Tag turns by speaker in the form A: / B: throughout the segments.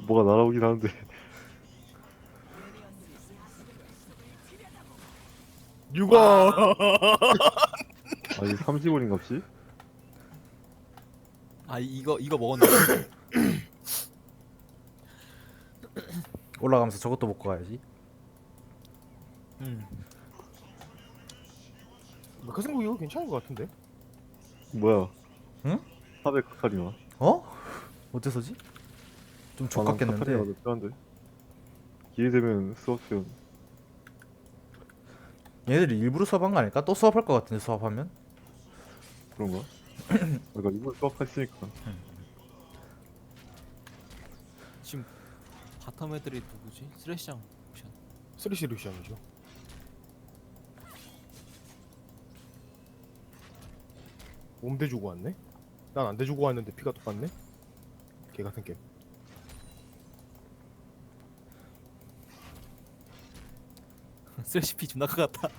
A: 뭐가 날아오긴 하는데.
B: 육아.
A: 아니 30원인갑지?
C: 아 이거 먹었는데.
D: 올라가면서 저것도 먹고 가야지.
C: 음.
B: 메카생각 이거 괜찮은 것 같은데.
A: 뭐야?
D: 응?
A: 400카카리나?
D: 어? 어째서지? 좀
A: 아, 난
D: 족같겠는데.
A: 카카리나가 더 편한데. 기회 되면 수업시험.
D: 얘네들이 일부러 수업한 거 아닐까? 또 수업할 것 같은데 수업하면?
A: 그런가? 그러니까 이번 수업했으니까.
C: 지금 바텀 애들이 누구지? 쓰레시장 옵션.
B: 쓰리시 루시안이죠. 몸대 주고 왔네? 난 안 대주고 왔는데 피가 똑같네? 개 같은 게임.
C: 쓰레시 피 존나 크 같다.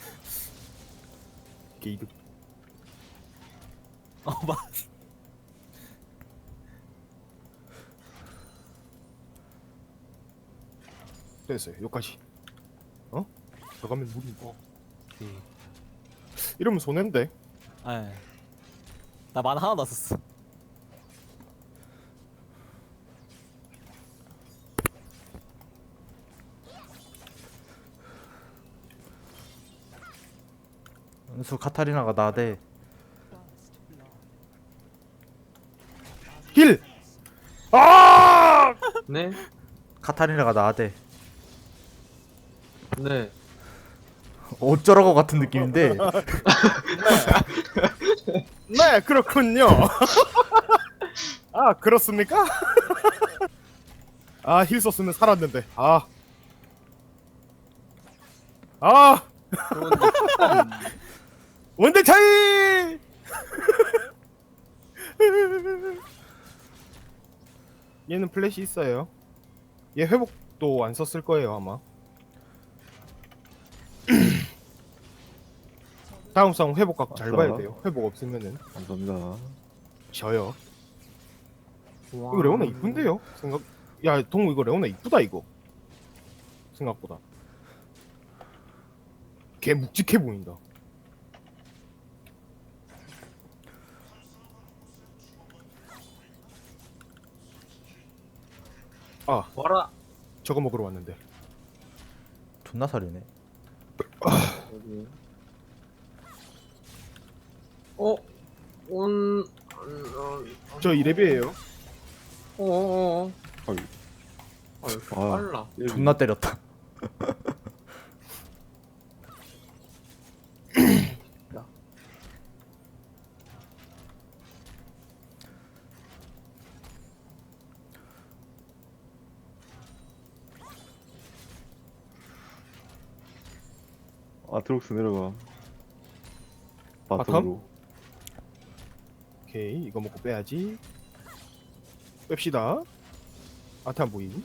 B: 개 이득.
C: 맞.
B: 됐어요. 여기까지. 어? 들어가면 무리.
C: 오케이.
B: 이러면 손해인데.
C: 아. 나 만 하나 났었어.
D: 은수 카타리나가 나대.
B: 힐! 아!
E: 네?
D: 카타리나가 나대.
E: 네.
D: 어쩌라고 같은 느낌인데.
B: 네, 그렇군요. 아, 그렇습니까? 아, 힐 썼으면 살았는데. 아. 아!
C: 그런데
B: 원대 차이! 얘는 플래시 있어요. 얘 회복도 안 썼을 거예요, 아마. 다음 싸움 회복각 잘 봐야 돼요. 회복 없으면은
A: 감사합니다.
B: 져요. 이거 레오나 이쁜데요? 생각. 야, 동우 이거 레오나 이쁘다 이거. 생각보다. 개 묵직해 보인다. 아,
E: 와라.
B: 저거 먹으러 왔는데.
D: 존나 살이네.
E: 여기. 어? 온.
B: 저 이레비에요.
E: 어어어.
A: 아유.
E: 아유,
A: 아.
E: 빨라.
A: 얘
D: 존나 때렸다.
A: 아트록스 내려가.
B: 바텀?
A: 바텀으로.
B: 오케이, 이거 먹고 빼야지. 뺍시다. 아트 안 보임.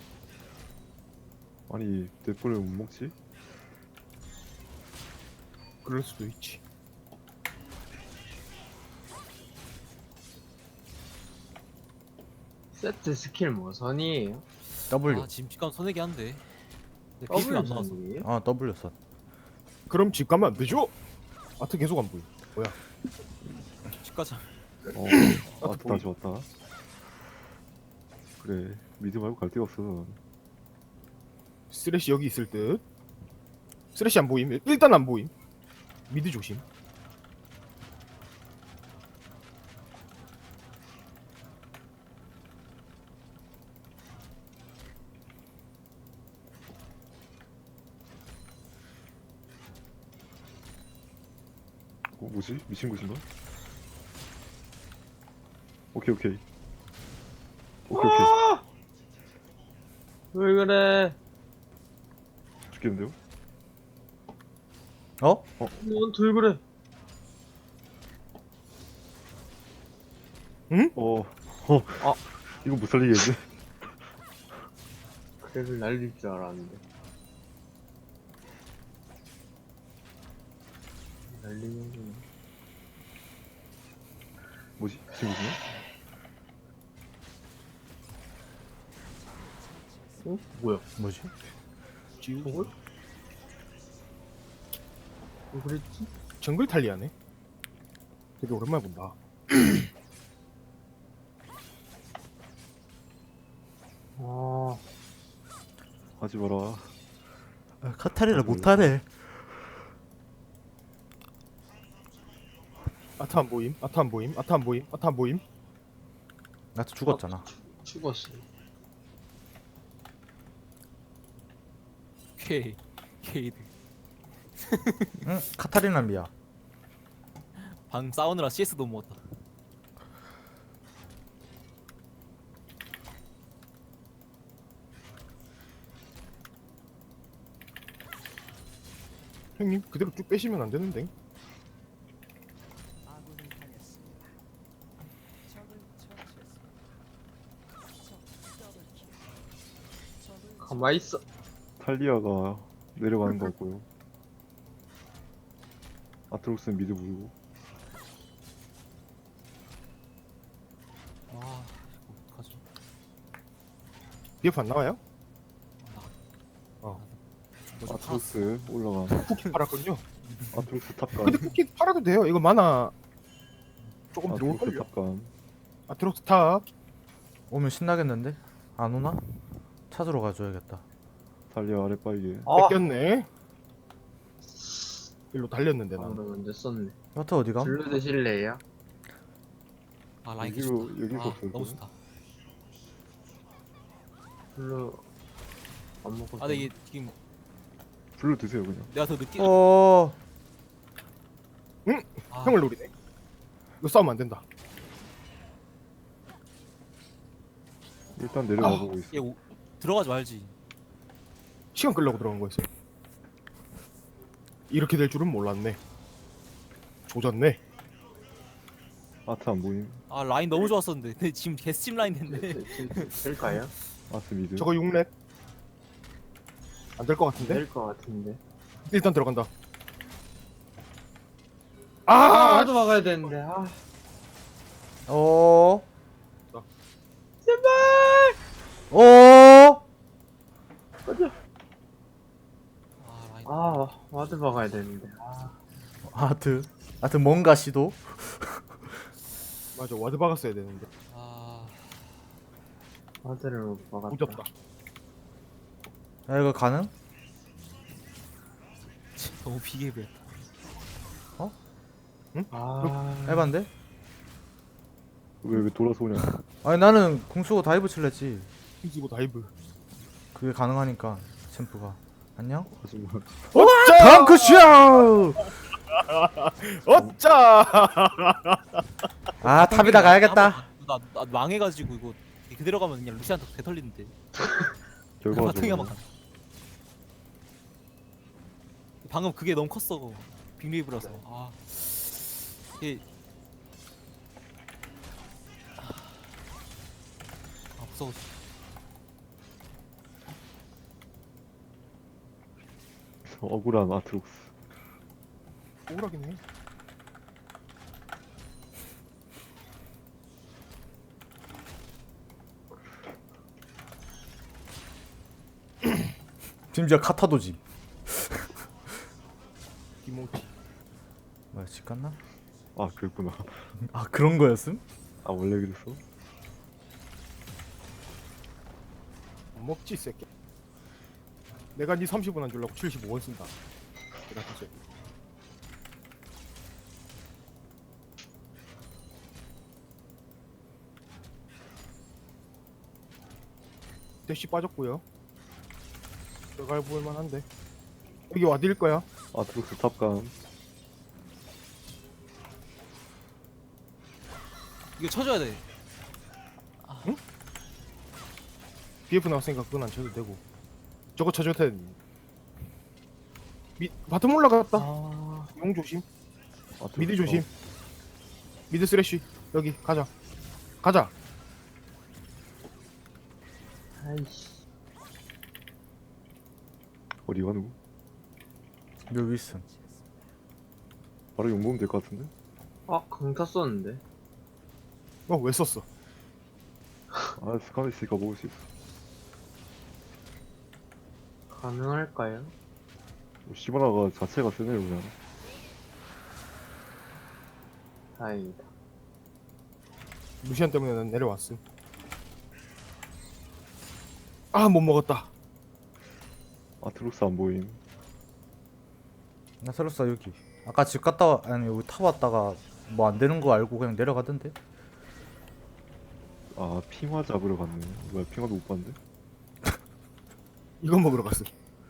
A: 아니 대포를 못 먹지?
B: 그럴 수도 있지.
E: 세트 스킬 뭐 선이에요?
D: W.
C: 아 지금 직감 손해기 한데. 내 PP가 안 나왔어.
E: 선이에요?
D: 아 W 선.
B: 그럼 집 가면 안 되죠? 아트 계속 안 보임. 뭐야?
C: 집 가자.
A: 아트 다시 왔다. 그래 미드 말고 갈 데가 없어.
B: 쓰레쉬 여기 있을 듯. 쓰레쉬 안 보임. 일단 안 보임. 미드 조심.
A: 뭐지? 미친 곳인가? 오케이 오케이. 오케이 오케이.
E: 왜 그래?
A: 죽겠는데요?
D: 어?
E: 넌들 그래?
A: 이거 못 살리겠네.
E: 그래를 날릴 줄 알았는데. 날리는구나.
A: 뭐지? 미친 곳이네?
E: 어? 뭐야?
D: 뭐지?
B: 지우
E: 저걸? 왜 그랬지?
B: 정글 탈리아네. 되게 오랜만에 본다.
E: 아,
A: 하지 마라.
D: 아, 카타리나 못하네.
B: 아타 안 보임. 아타 안 보임. 아타 안 보임. 아타 안 보임.
D: 나도 죽었잖아.
E: 죽었어.
C: 케이드.
D: 응, 카타리나 미야.
C: 방 싸우느라 CS 도 못 먹었다.
B: 형님 그대로 쭉 빼시면 안 되는데.
E: 가만히 있어.
A: 탈리아가 내려가는 것 같고요. 아트록스는 미드 보이고.
C: 와 이거 어떡하지?
B: BF 안 나와요?
C: 뭐좀 팔았어.
A: 아트록스 올라가.
B: 쿠키 팔았군요.
A: 아트록스 탑간.
B: 근데 쿠키 팔아도 돼요. 이거 만화 조금
A: 아트록스
B: 들어올걸요.
A: 탑간.
B: 아트록스 탑.
D: 오면 신나겠는데? 안 오나? 찾으러 가줘야겠다.
A: 탈리아 아래 빠이게.
E: 아,
B: 뺏겼네. 일로 달렸는데 난.
E: 방금 먼저 썼네.
D: 여태 어디가?
E: 블루 드실래요?
C: 아 라인
A: 여기로
C: 개좋다.
A: 여기서
C: 아
A: 없어요.
C: 너무 좋다.
E: 블루 안 먹고.
C: 아 근데 이게 지금
A: 불러 드세요 그냥.
C: 내가 더 늦게.
D: 어,
C: 아,
B: 형을 노리네. 이거 싸우면 안 된다.
A: 일단 내려가 보고 있어.
C: 얘 들어가지 말지.
B: 시간 끌려고 들어간 거였어요. 이렇게 될 줄은 몰랐네. 조졌네.
A: 아트 안 보임.
C: 아 라인 너무 좋았었는데. 근데 지금 개스팀 라인 됐네.
E: 될까요?
A: 아트 미드.
B: 저거 6렙. 안 될 것 같은데?
E: 될것 같은데.
B: 일단 들어간다.
E: 아,
B: 아!
E: 나도 막아야 되는데. 아,
D: 어,
E: 제발.
D: 어.
C: 아 라인.
E: 아, 와드 막아야 되는데. 아,
D: 아트 뭔가 시도?
B: 맞아, 와드 박았어야 되는데.
C: 아
E: 와드를 못 막았다.
B: 무섭다.
D: 야, 이거 가능?
C: 너무 비계부야.
E: 아,
D: 해봤는데?
A: 왜 돌아서 오냐.
D: 아니 나는 궁수고 다이브 칠랬지.
B: 휘지고 다이브.
D: 그게 가능하니까 챔프가. 안녕?
A: 하지 마.
D: 덩크슛!
B: 어짜!
D: 아 탑이다 가야겠다.
C: 나 망해가지고 이거 그대로 가면 그냥 루시안한테 개털리는데. 바탕이 한번
A: 결과적으로.
C: 가. 방금 그게 너무 컸어. 빅웨이브라서. 아 이게 아 무서워.
A: 억울한 아트록스.
B: 억울하긴 해.
D: 심지어 카타도지.
B: 김홍치.
D: 뭐야 집 갔나?
A: 아 그랬구나.
D: 아 그런 거였음?
A: 아 원래 그랬어?
B: 안 먹지, 이 새끼. 내가 니 30원 안 주려고 75원 쓴다. 내가 진짜. 대시 빠졌고요. 들어갈 볼만 한데. 여기 와드일 거야.
A: 아트록스 탑간.
C: 이거 쳐줘야 돼.
B: BF 나왔으니까 그건 안 쳐도 되고. 저거 쳐줘야 돼. 바텀 올라갔다.
E: 아,
B: 용 조심.
A: 아트록스
B: 미드 조심. 미드 쓰레쉬. 여기 가자. 가자.
E: 아이씨.
A: 어디 가누구?
D: 여기 있음.
A: 바로 용보면 될 것 같은데?
E: 아, 강타 썼는데.
B: 왜 썼어?
A: 아 스카너 있으니까 먹을 수 있어.
E: 가능할까요?
A: 시바나가 자체가 세네요 그냥.
E: 다행이다.
B: 루시안 때문에 난 내려왔음. 아, 못 먹었다.
A: 아트록스 안 보임.
D: 나 설렀어 여기. 아까 집 갔다 아니 여기 타 왔다가 뭐 안 되는 거 알고 그냥 내려가던데.
A: 아 핑화 잡으러 갔네. 뭐야 핑화도 못 봤는데?
B: 이거 먹으러 갔음.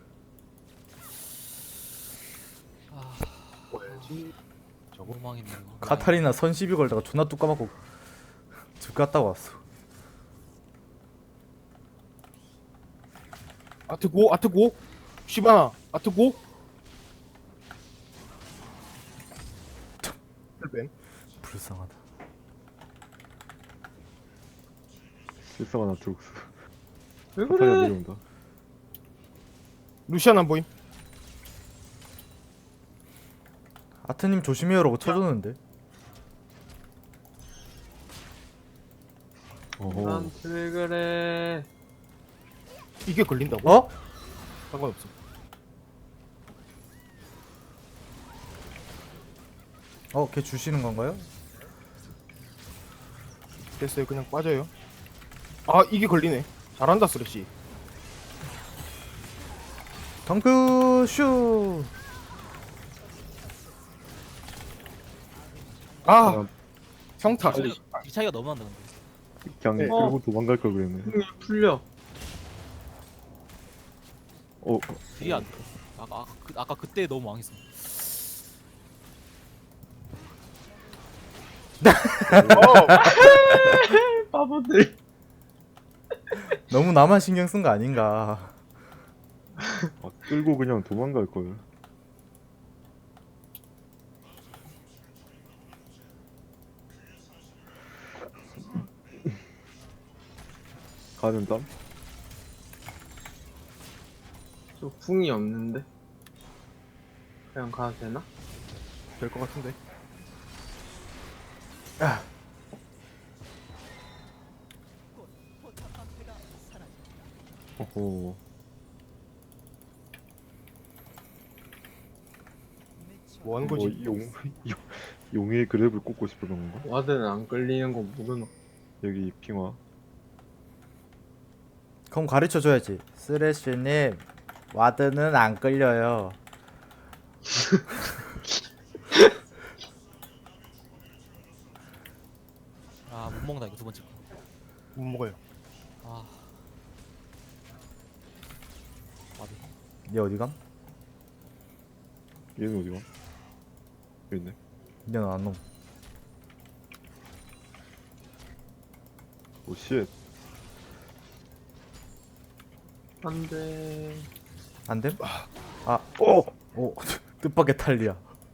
C: 아,
B: 뭐야지? 저거
C: 도망했네 이거.
D: 카타리나 선 시비 걸다가 존나 뚝 까먹고 집 갔다 왔어.
B: 아트고 아트고 시바나 아트고. 뱀.
D: 불쌍하다.
A: 실성한 아트록스.
E: 왜
A: 카타리나
E: 그래?
A: 내려온다.
B: 루시안 안 보임.
D: 아트님 조심해요라고 쳐줬는데.
A: 어허.
E: 나한테 왜 그래?
B: 이게 걸린다고?
D: 어?
B: 상관없어.
D: 걔 주시는 건가요?
B: 됐어요. 그냥 빠져요. 아, 이게 걸리네. 잘한다 쓰레쉬.
D: 덩크 슈.
B: 아,
A: 그냥,
B: 평타.
C: 이 차이가 너무 난다 근데.
A: 그냥
B: 네.
A: 끌고 도망갈 걸 그랬네.
E: 풀려.
C: 그게 안 돼. 아까 그때 너무 망했어.
E: 바보들.
D: 너무 나만 신경 쓴 거 아닌가.
A: 끌고 그냥 도망갈 걸. 가는 땀?
E: 저 궁이 없는데? 그냥 가도 되나?
B: 될 것 같은데.
A: 어허.
B: 뭐 하는
A: 뭐
B: 거지?
A: 용의 그랩을 꽂고 싶은 건가?
E: 와드는 안 끌리는 거 모르나?
A: 여기 핑화.
D: 그럼 가르쳐 줘야지. 쓰레쉬님 와드는 안 끌려요.
C: 아 못 먹는다 이거 두 번째 거.
B: 못 먹어요.
C: 아. 맞아.
D: 얘 어디감?
A: 얘는 어디가? 여기 있네.
D: 얘는 안 놈.
A: 오 쉣.
E: 안 돼.
D: 안 됨? 오 뜻밖의 탈리야.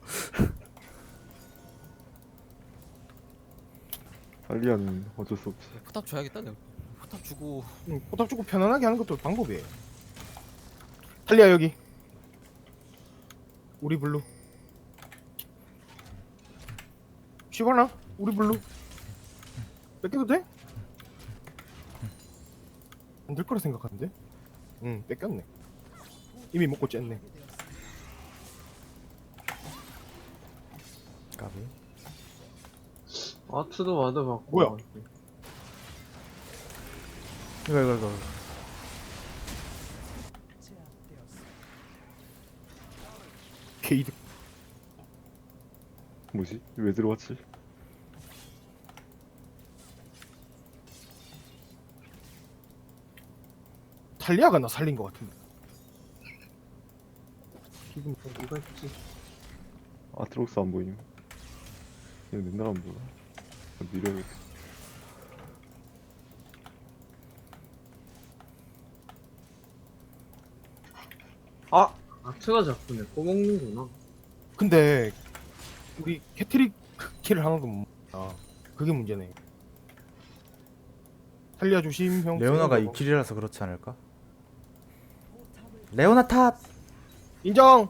A: 탈리아는 어쩔 수 없지.
C: 포탑 줘야겠다 내가. 포탑 주고
B: 포탑 주고 편안하게 하는 것도 방법이에요. 탈리아 여기. 우리 블루. 시바나? 우리 블루. 뺏겨도 돼? 안 될 거라 생각하는데? 응, 뺏겼네. 이미 먹고 쨌네.
D: 까비.
E: 아트도 와드 받고.
B: 뭐야?
E: 와가지고.
D: 이거.
B: 게이드.
A: 뭐지? 왜 들어왔지?
B: 탈리아가 나 살린 것 같은데.
E: 기분 누가 있지?
A: 아트록스 안 보임. 얘 맨날 안 보여. 밀어야겠다.
E: 아! 아트가 자꾸 내 꺼먹는구나.
B: 근데 우리 캐트릭 킬을 하나도 못 먹다. 그게 문제네. 탈리아 조심 형.
D: 레오나가 이 길이라서 그렇지 않을까? 레오나 탓.
B: 인정.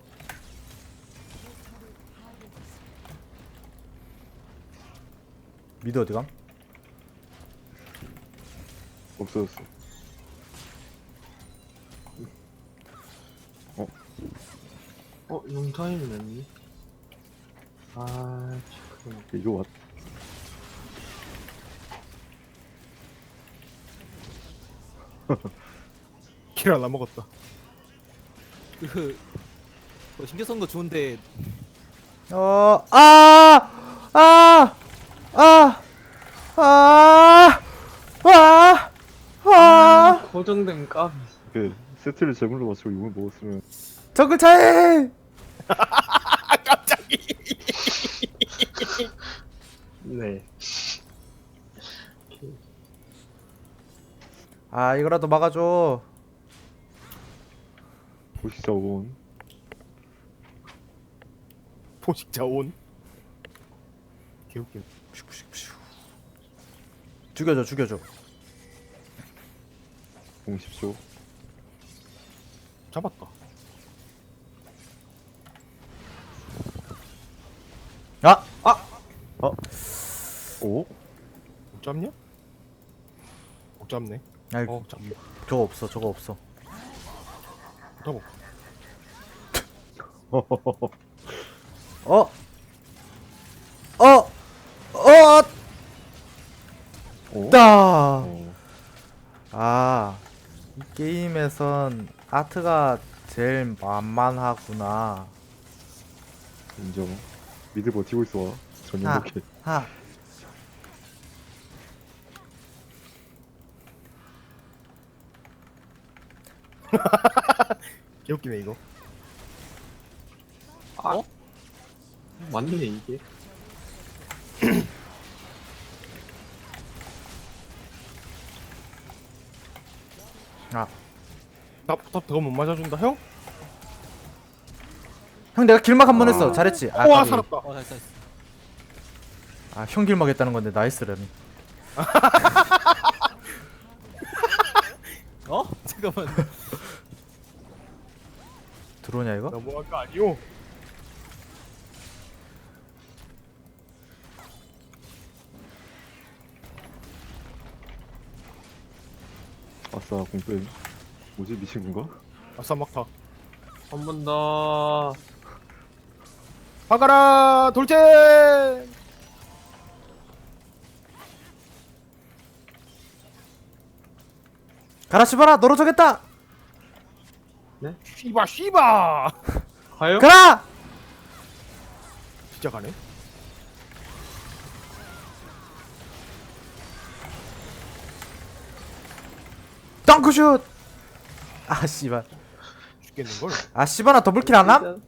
D: 미드 어디감?
A: 없어졌어.
E: 용타임 냈니? 아, 잠깐만.
A: 이거 왔.
B: 킬 하나 먹었다.
C: 그 신경 쓴 거 좋은데
D: 아, 아, 아, 아, 아,
E: 고정된 값.
A: 그 세트를 제물로 맞추고 이걸 먹었으면
D: 정글 차이.
E: 네.
D: 아, 이거라도 막아줘.
A: 보시자 온.
B: 포식자 온. 개웃긴.
D: 죽여줘, 죽여줘.
A: 공 10초.
B: 잡았다.
D: 아,
A: 오?
B: 못 잡냐? 못 잡네.
D: 아이,
B: 잡네.
D: 저거 없어, 저거 없어.
B: 잡아.
D: 어, 어, 어,
A: 오?
D: 따.
A: 어.
D: 아, 이 게임에선 아트가 제일 만만하구나.
A: 인정. 미드 버티고 있어. 전혀
D: 아.
A: 못해.
D: 하.
B: 개웃기네 이거.
E: 맞네, 이게.
D: 아,
B: 나부터 더 못 맞아준다 형?
D: 형 내가 길막 한 번 했어. 잘했지. 아,
B: 우와
D: 까비.
B: 살았다.
C: 잘했어.
D: 아, 형 길막 했다는 건데 나이스라니.
C: 잠깐만.
D: 들어오냐 이거?
B: 너무한 거 아니오?
A: 아싸 공빼. 뭐지 미친 건가?
B: 아싸 막타.
E: 한 번 더.
B: 박아라 돌진.
D: 가라 씨발아, 너로 저겠다.
B: 씨바 씨바.
E: 가요?
D: 가라.
B: 진짜 가네.
D: 덩크슛. 아, 씨발.
B: 죽겠는 걸.
D: 아, 씨발아, 더블킬 안 함?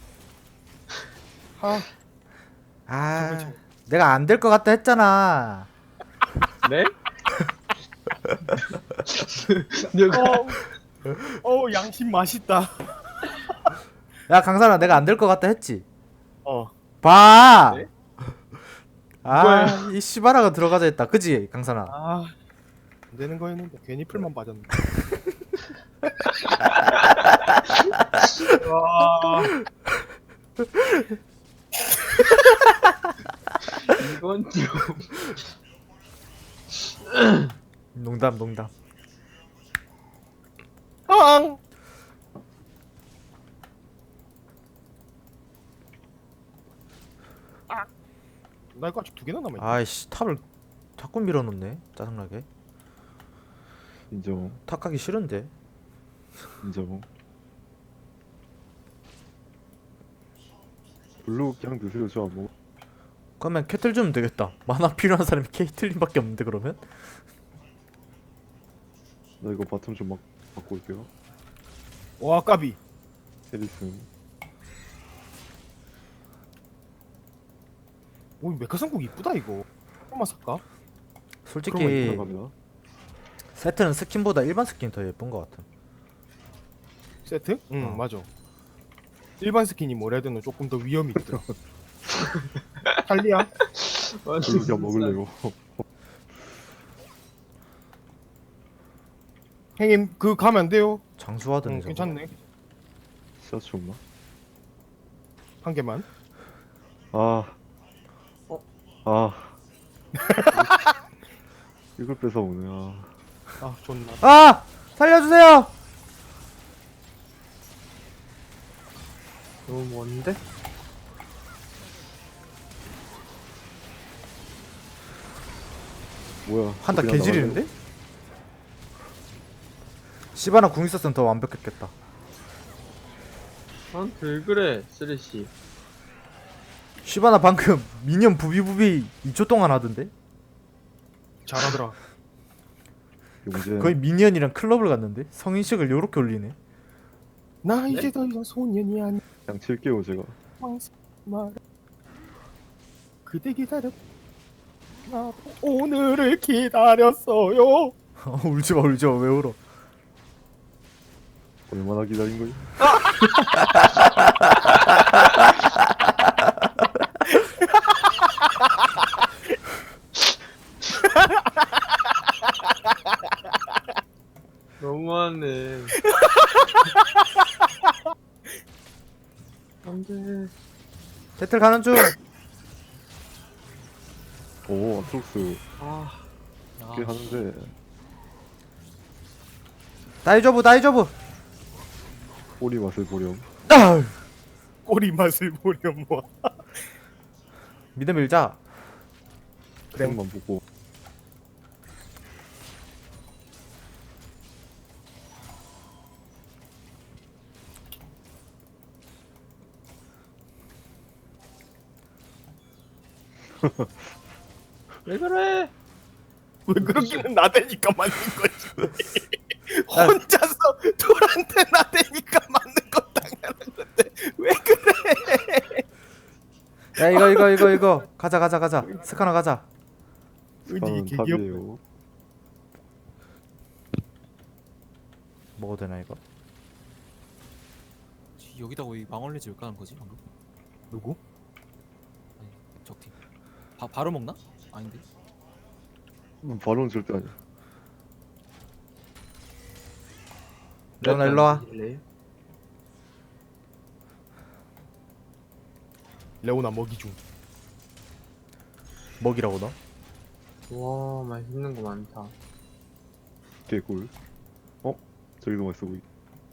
B: 하.
D: 아, 내가 안 될 것 같다 했잖아.
E: 네? 누가?
B: 양심 맛있다.
D: 야, 강산아, 내가 안 될 것 같다 했지.
B: 아
D: 봐. 아, 이 씨발아가 들어가자 했다. 그지, 강산아?
B: 안 되는 거였는데 괜히 풀만 빠졌네.
E: 와. 이건 좀.
D: 농담, 농담.
B: 앙. 나 이거 아직 두 개나 남아 있네.
D: 아이씨, 탑을 자꾸 밀어놓네. 짜증나게.
A: 인정.
D: 탑 가기 싫은데.
A: 인정. 블루 그냥 드세요. 저 안 먹어.
D: 그러면 캐틀 주면 되겠다. 만화 필요한 사람이 케이틀린밖에 없는데 그러면?
A: 나 이거 바텀 좀 막 바꿔 올게요.
B: 와 까비.
A: 세리슨.
B: 오 메카상국 이쁘다 이거. 한번 살까?
D: 솔직히
A: 들어갑니다.
D: 세트는 스킨보다 일반 스킨이 더 예쁜 것 같아.
B: 세트? 응
D: 어.
B: 맞아. 일반 스킨이 뭐래든 조금 더 위험이 있더라. 탈리야?
A: 블루 그냥 먹을래요.
B: 형님 그 가면 안 돼요.
D: 장수하더니
B: 응
D: 저거.
B: 괜찮네.
A: 시야치 없나?
B: 한 개만.
A: 아. 아. 이걸 뺏어 오네. 아.
B: 아 좋나.
D: 아! 살려주세요!
E: 너무 먼데?
A: 뭐야?
D: 한타
A: 그냥
D: 개지리는데? 시바나 궁 있었으면 더 완벽했겠다.
E: 나한테 왜 그래, 쓰레쉬.
D: 시바나 방금 미니언 부비부비 2초 동안 하던데?
B: 잘하더라.
A: 나가네. 용재.
D: 거의 미니언이랑 클럽을 갔는데? 성인식을 요렇게 올리네.
B: 나 이제 더 이상 소년이 아니.
A: 그냥 칠게요 제가.
B: 말. 그대 기다려. 나 오늘을 기다렸어요.
D: 울지마 울지마 왜 울어.
A: 얼마나 기다린 거지?
E: 너무하네. 안돼.
D: 배틀 가는 중.
A: 오 아트록스
E: 아,
A: 꽤 하는데.
D: 다이저브 다이저브.
A: 꼬리 맛을 보렴.
D: 아우.
B: 꼬리 맛을 보렴 뭐.
D: 미드 밀자.
B: 그래.
A: 만 보고.
E: 왜 그래?
B: 왜 그러기는 나대니까 맞는 거지. 혼자서 돌한테 나대니까 맞는 거 당연한 건데 왜 그래?
D: 야 이거 가자 스카너 가자.
B: 은이
A: 저는
B: 개귀엽.
A: 탑이에요.
D: 먹어도 되나 이거?
C: 여기다가 왜 망원레지 왜 까는 거지 방금?
B: 누구?
C: 아니 적팀. 바로 먹나? 아닌데.
A: 바로는 절대 아니야.
D: 레오나 일로 와.
B: 레오나 먹이 중.
D: 먹이라고 너?
E: 와, 맛있는 거 많다.
A: 개꿀. 어? 저기도 맛있어 보이.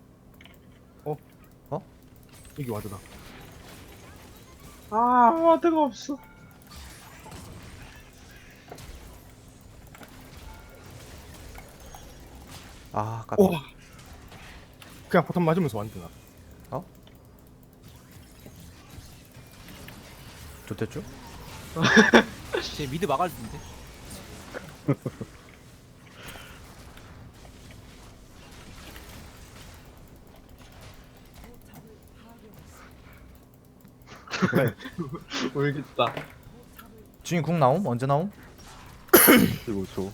B: 여기 와드다.
E: 아, 와드가 없어.
D: 아 깜짝.
B: 와. 그냥 포탄 맞으면서 완드나.
D: 좋댔죠?
C: 쟤 미드 막을 텐데.
E: 모르겠다.
D: 주인 궁 나옴? 언제 나옴?
A: 15초.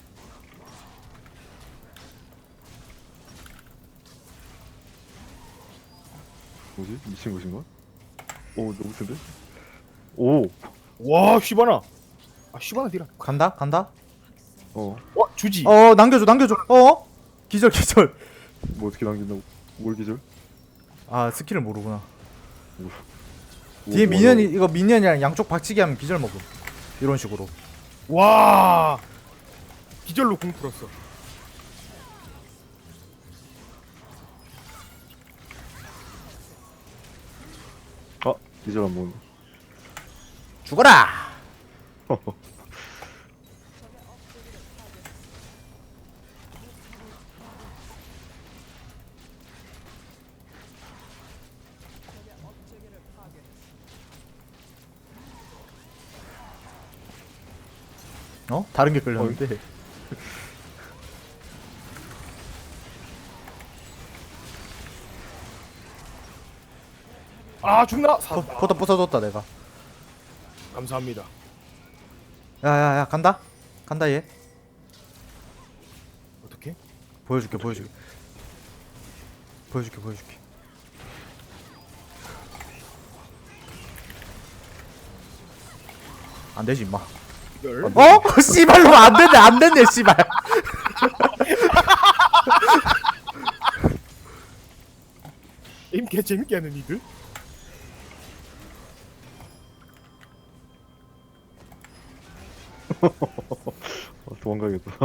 A: 뭐지? 미친 것인가? 오 너무 센데? 오!
B: 와 시바나. 아 시바나 디라.
D: 간다?
A: 어.
B: 와 주지.
D: 남겨줘 기절
A: 뭐 어떻게 남긴다고? 뭘 기절?
D: 아 스킬을 모르구나.
A: 뭐,
D: 뒤에
A: 뭐
D: 미니언이
A: 하라고?
D: 이거 미니언이랑 양쪽 박치기 하면 기절 먹음. 이런 식으로.
B: 와. 기절로 공 풀었어.
A: 아! 기절 안 먹네.
D: 죽어라. 다른 게 끌렸는데.
B: 아 죽나? 살았다.
D: 포터 부숴줬다 내가.
B: 감사합니다.
D: 야야야 간다 얘.
B: 어떻게?
D: 보여줄게. 안 되지 임마.
B: 이걸
D: 씨발로 안 됐네 씨발.
B: 게임 개 재밌게 하는 이들.
A: 도망가야겠다.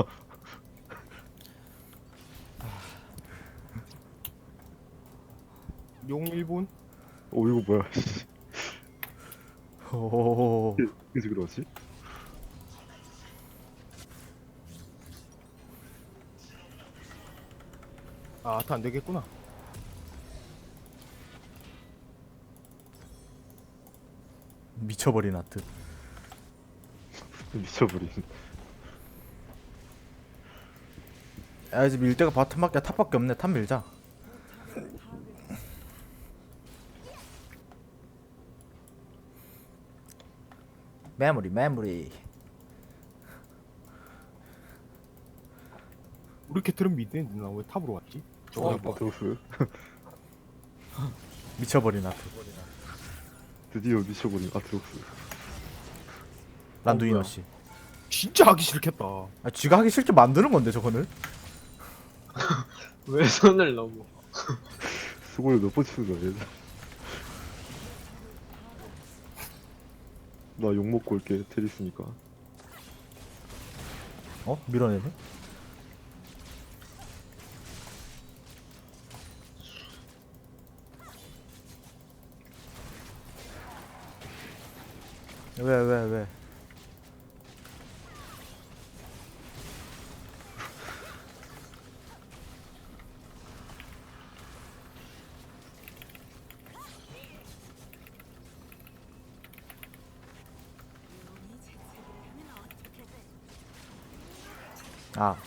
B: 용 1분.
A: 오 이거 뭐야?
D: 오.
A: 그지 그러지?
B: 아 아트 안 되겠구나.
D: 미쳐버린 아트.
A: 미쳐버린.
D: 야 이제 밀 데가 바텀밖에 탑밖에 없네. 탑 밀자. 메모리 메모리.
B: 우리 캐틀은 미드에 누나 왜 탑으로 왔지? 저거 봐.
A: 아트록스.
D: 미쳐버린 아트.
A: 드디어 미쳐버린 아트록스.
D: 란두이너
E: 뭐야.
D: 씨.
B: 진짜 하기 싫겠다.
D: 아, 쥐가 하기 싫게 만드는 건데 저거는.
E: 왜 손을 넘어?
A: 수고를 몇 번 치는 거야 얘들. 나 욕먹고 올게 테리스니까.
D: 어? 밀어내네? 왜? 아.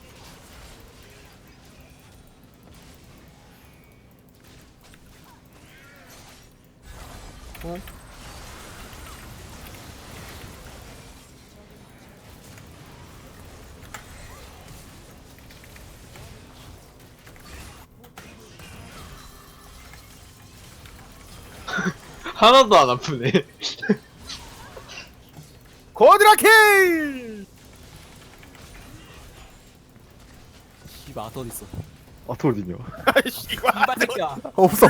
E: 하나도 안 아프네.
B: 거드라킬!
C: 씨발 아트 어딨어?
A: 아트 어디냐?
B: 씨발.
C: 이발 새끼야.
D: 없어.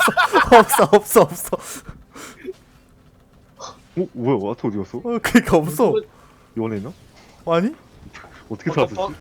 A: 어? 뭐야 아트 어디 갔어?
D: 그니까 없어.
A: 연애나?
D: 아니?
A: 어떻게
E: What the
A: 살았지?